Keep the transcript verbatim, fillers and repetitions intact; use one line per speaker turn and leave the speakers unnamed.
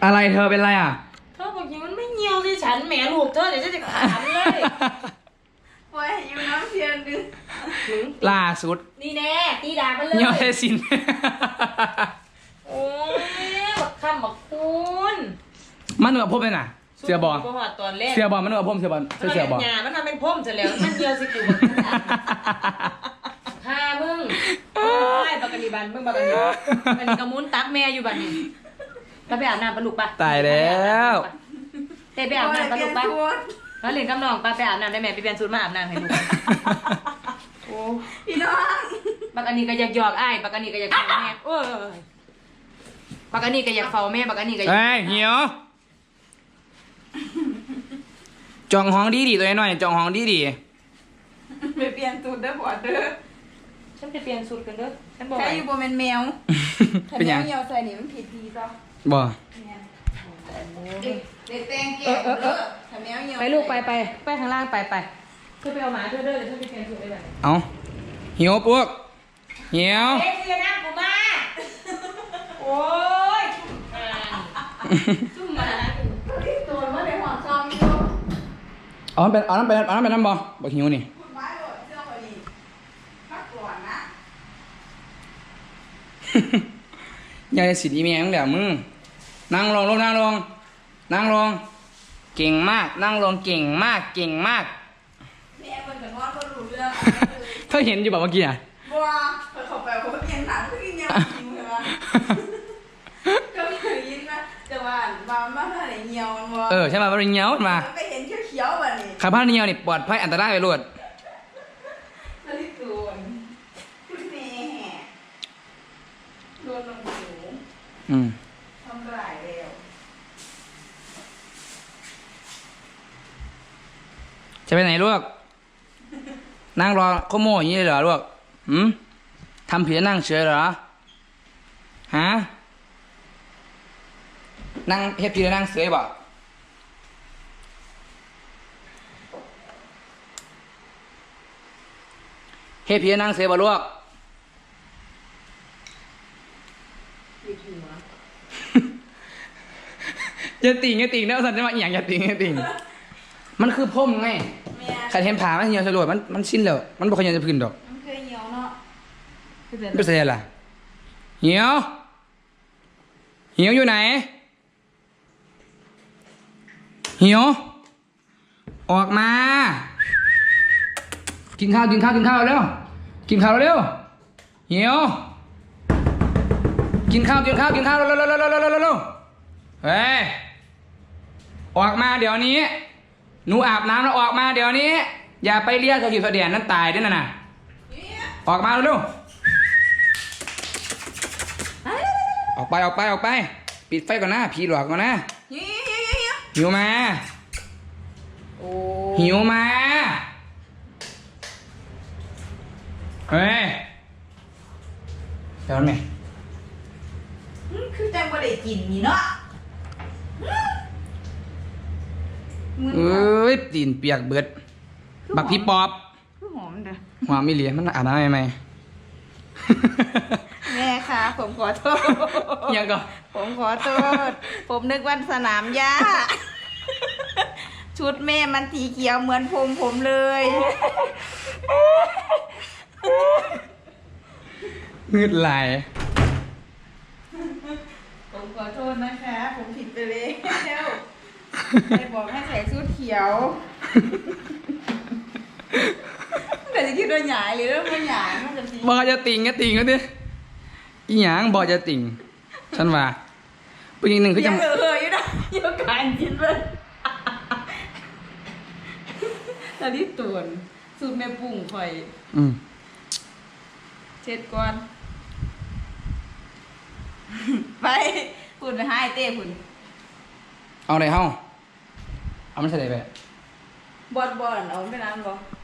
อะไรเธอเป็นไรอ่ะ
เธอบอกอย่างมันไม่เหี่ยวสิฉันแหมลูกเธอเดี๋ยวจะจะขันเลย
ปล่อยอยู่น้ำเทียนดึง
ล่าสุด
นี่แน่ตีดากันเลย
เหี่ยวเทสิน
โอ้ยบักคำบักคุณ
มันเหนือพมเลยน่ะเสือบอลเสือบอลมันเหนือพมเสือบอลเสือบอล
มันทำเป็นพมเสร็จแล้วมันเหี่ยวสิกูฆ่ามึงไอ้ปากกานีบันมึงปากกานีมันกระมุนตักแม่อยู่บันนี้ก็ไปอาบน้ำปลาลูกปะ
ตายแล้ว
เต้ไปอาบน้ำปลาลูกปะแล้วเรียนกำนองปลาไปอาบน้ำได้แม่ไปเปลี่ยนชุดมาอาบน้ำให้ลูกโอ้
พี่น้อง
ปากกานีก็อยากหยอกไอ้ปากกานีก็อยากเฝ้าแม่โอ้ยปากกานีก็อยากเฝ้าแม่ปากกานีก็อยาก
เฮ้ยเหี่ยวจองห้องดีดีตัวน้อยจองห้องดีดี
ไปเปลี่ยนสูตรเด้อพอเด้อ
ฉันไปเปลี่ยนสูตรกันเด้อฉันบอก
ใครอยู่บนเป็นแมวเป็นยังเหี่ยวใส่นี่มันผิดดีจ้ะ
บ่
เด็กเด็กแตงเก่งเด้อถ้าแมวเหี่ยว
ไปลูกไปไปไปข้างล่างไปไปเธอไปเอาหมาเธอเด้อเดี๋ยวเธอไปเปลี่ยนสูตรได้แบบ
เอาเหี่ยวพวกเหี่ยว
เฮ้ยเสียน้ำกูมาโอ้ยจุ่มมา
ตัวมันในหัวซองอยู่
อ๋อเป็นอ๋อนั่นเป็นอ๋อนั่นเป็นน้ำบ่บ่หิวนี่ยายสิทธิ์อีเมลเดี๋ยวมึงนั่งลงลงนั่งลงนั่งลงเก่งมากนั่งลงเก่งมากเก่งมาก
แม่มันกับนอนก็รู้เรื่อง
เธอเห็นอยู่แบบเมื่อกี้อ่ะ
บัวเปิดเข้าไปเขาเปลี่ยนหนังเพื่อยังยิงใช่ไหมก็เคยยินนะแต่ว่าบางบ้านอะไรเหี่ยวมันว่า
เออใช่ไหมมันเหี่ยวมา
ไปเห็นเขียวๆแบบนี้
ขาผ้าเหี่ยวนี่ปลอดภัยอันตรายไปรวด
นาฬิกาคุณแม่โดนลงหู
อืม
ทำลายเร็ว
จะไปไหนลูกนั่งรอข้อโม่อย่างนี้เลยเหรอลูกหืมทำผิดนั่งเฉยเหรอฮะนั่งเฮ็ดผิดนั่งเฉยบ่เฮ็ดผิดนั่งเฉยบ่ลูกอย่าติ่งอย่าติ่งนะสันจะมาอย่างอย่าติ่งอย่าติ่งมันคือพ่มไงขัดเห็นผ่ามันเหี่ยวสลดมันมันสิ้นแล้วมันบอกขยันจะพื้นดอก
มันเคยเหี่ยวเนาะ
เป็นเสียล่ะเหี่ยวเหี่ยวอยู่ไหนเหี่ยวออกมากินข้าวกินข้าวกินข้าวเร็วกินข้าวเร็วเหี่ยวกินข้าวกินข้าวกินข้าวเร็วเร็วเร็วเร็วเร็วเร็วเร็วเฮ้ยออกมาเดี๋ยวนี้หนูอาบน้ำแล้วออกมาเดี๋ยวนี้อย่าไปเรียกเธออยู่เสดียนนั่นตายด้วยนะน่ะออกมาเร็วออกไปออกไปออกไปปิดไฟก่อนนะผีหลอกก่อนนะหิวมาหิวมาเฮ้ยเดี๋ยวไหม
คือจังบ่ได้กินนี่เนาะ
เอ้ยตีนเปียกเบิดบักพี่ปอบ
คือหอมเด้อ
หอมไม่เหลียมันอ่านได้ไหม
แม่คะผมขอโทษ
ยังก็
ผมขอโทษผมนึกว่าสนามหญ้าชุดแม่มันสีเขียวเหมือนผมผมเลย
งืดไหล
ผมขอโทษนะคะผมผิดไปแล้วไปบอกให้ใส่ชุดเขียวแต่จะคิดว่าหยายหรือว่าไม่หยายมันจะตี
บอกจะติ่งก็ติ่งก็ดิอีหยังบอกจะติ่งฉันว่าผู้หญิงหนึ่งเขาจะ
เออเอออยู่นะเยอะการกินเลยตอนนี้ตุ่นสูตรแม่ปุ่งคอย
อืม
เช็ดก่อนไปพูดไปให้เต้คุณ
เอาไหนเฮ้าเอาไม่ใช่ไหนไป
บอดบอดเอาไปน้ำบ่